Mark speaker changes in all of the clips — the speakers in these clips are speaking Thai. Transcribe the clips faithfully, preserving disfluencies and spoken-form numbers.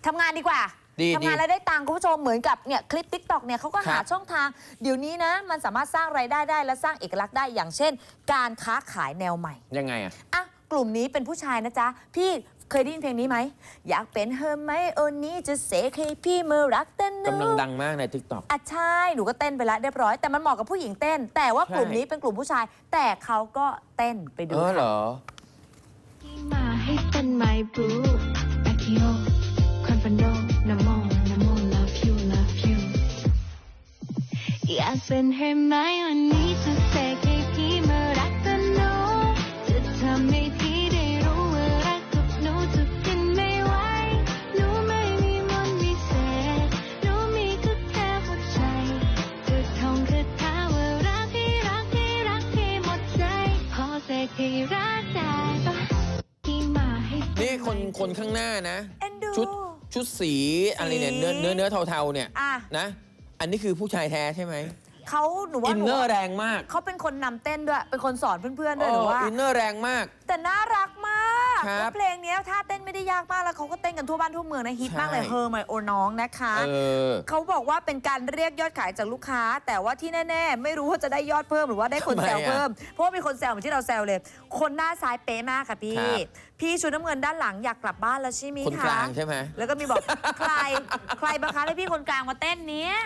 Speaker 1: ทำงานดีกว่าทำงานแล้วได้ตังค์คุณผู้ชมเหมือนกับเนี่ยคลิป ติ๊กต็อก เนี่ยเขาก็หาช่องทางเดี๋ยวนี้นะมันสามารถสร้างรายได้ได้และสร้างเอกลักษณ์ได้อย่างเช่น การค้าขายแนวใหม่
Speaker 2: ยังไงอะ
Speaker 1: อ่ะกลุ่มนี้เป็นผู้ชายนะจ๊ะพี่เคยได้ยินเพลงนี้ไหมอยากเป็นเฮอร์ไมโอนี่จะเสกให้พี่เมื่อรักเต้น
Speaker 2: กำลังดังมากใน ติ๊กต็อก
Speaker 1: อ่ะใช่หนูก็เต้นไปแล้วเรียบร้อยแต่มันเหมาะกับผู้หญิงเต้นแต่ว่ากลุ่มนี้เป็นกลุ่มผู้ชายแต่เขาก็เต้นไปดู
Speaker 2: ค่ะเหรอ
Speaker 3: มาให้เป็น my boo อาคิโอคอนฟันโดนาโมนาโม love you love you อยากเป็นเฮอร์ไมโอนี่จะเสกให้พี่เมื่อรักกันโนจะทำให้พี่ได้รู้ว่ารักกับหนูจะเป็นไม่ไหวหนูไม่มีมนต์วิเศษหนูมีก็แค่หัวใจจะท่องคาถาว่ารักให้รักให้รักให้หมดใจพอเสกให้รักได้ปะ
Speaker 2: นี่คนคนข้างหน้านะชุดชุดสีอะไรเนี่ยเนื้อเนื้อเนื้อเทาๆเนี่ยนะอันนี้คือผู้ชายแท้ใช่ไหม
Speaker 1: เขาหนูว่า
Speaker 2: อินเนอร์แรงมาก
Speaker 1: เขาเป็นคนนำเต้นด้วยเป็นคนสอนเพื่อนๆด้วยหนูว่า
Speaker 2: อินเนอร์แรงมาก
Speaker 1: แต่น่ารักมากแล้วเพลงนี้ท่าเต้นไม่ได้ยากมากแล้วเขาก็เต้นกันทั่วบ้านทั่วเมืองนะฮิตมากเลยเฮอร์ไมโอน้องนะคะเขาบอกว่าเป็นการเรียกยอดขายจากลูกค้าแต่ว่าที่แน่ๆไม่รู้ว่าจะได้ยอดเพิ่มหรือว่าได้คนแซวเพิ่มเพราะว่ามีคนแซวเหมือนที่เราแซวเลยคนหน้าซ้ายเป๊ะมากค่ะพี่พี่ชุดน้ำเงินด้านหลังอยากกลับบ้านแล้วใช่ไหมคะ
Speaker 2: คนกลางใช่ไหม
Speaker 1: แล้วก็มีบอกใครใครบังคับให้พี่คนกลางมาเต้นเนี้ย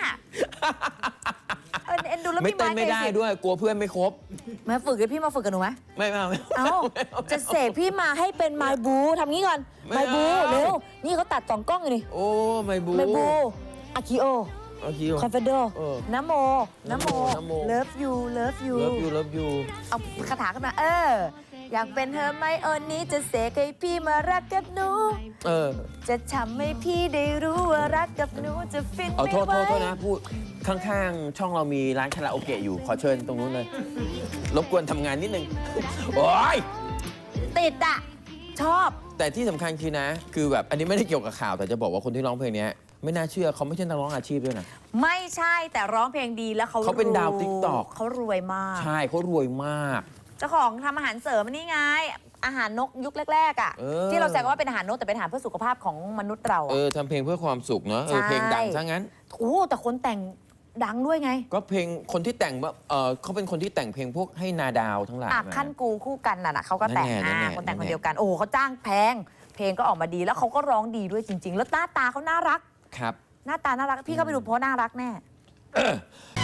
Speaker 1: เอ็นดูแล้ว
Speaker 2: ไม่เต้นไม่ได้ด้วยกลัวเพื่อนไม่ครบ
Speaker 1: มาฝึกกับพี่มาฝึกกับหนูไหม
Speaker 2: ไม่ไม่ไม่
Speaker 1: เอาจะเสกพี่มาให้เป็นไมบูทำงี้ก่อนไมบูเร็วนี่เขาตัดสองกล้องอยู่นี่
Speaker 2: โอ้ไมบู
Speaker 1: ไมบูอาคิโอ
Speaker 2: อาคิโอ
Speaker 1: คอนเฟโดน้ำโมน้ำโมเลิฟยูเลิฟยู
Speaker 2: เลิฟยูเลิฟยู
Speaker 1: เอาคาถาขึ้นมาเอออยากเป็นเธอไหมโอนี้จะเสกให้พี่มารักกับหนู
Speaker 2: เออ
Speaker 1: จะทำให้พี่ได้รู้ว่ารักกับหนูจะฟินไม่ไหว
Speaker 2: เอาโทษโทษโทษนะพูดข้างๆช่องเรามีร้านคาราโอเกะอยู่ขอเชิญตรงนู้นเลยรบกวนทำงานนิดนึงโอ้ย
Speaker 1: ติดอ่ะชอบ
Speaker 2: แต่ที่สำคัญคือนะคือแบบอันนี้ไม่ได้เกี่ยวกับข่าวแต่จะบอกว่าคนที่ร้องเพลงนี้ไม่น่าเชื่อเขาไม่ใช่นักร้องอาชีพด้วยนะ
Speaker 1: ไม่ใช่แต่ร้องเพลงดีแล้วเขา
Speaker 2: เขาเป็นดาวติ๊กต็อก
Speaker 1: เขารวยมาก
Speaker 2: ใช่เขารวยมาก
Speaker 1: เจ้าของทำอาหารเสริมนี่ไงอาหารนกยุคแรกๆอ่ะที่เราแซวว่าเป็นอาหารนกแต่เป็นอาหารเพื่อสุขภาพของมนุษย์เรา
Speaker 2: เออทำเพลงเพื่อความสุขเนาะเออเพลงดังซะงั้น
Speaker 1: โอ้แต่คนแต่งดังด้วยไง
Speaker 2: ก็เพลงคนที่แต่งเออเขาเป็นคนที่แต่งเพลงพวกให้นาดาวทั้งหลาย
Speaker 1: ขั้นกูคู่กันน่ะเขาก็แต่งอ่าคนแต่งคนเดียวกันโอ้เขาจ้างแพงเพลงก็ออกมาดีแล้วเขาก็ร้องดีด้วยจริงๆแล้วหน้าตาเขาน่ารัก
Speaker 2: ครับ
Speaker 1: หน้าตาน่ารักพี่เข้าไปดูเพราะน่ารักแน่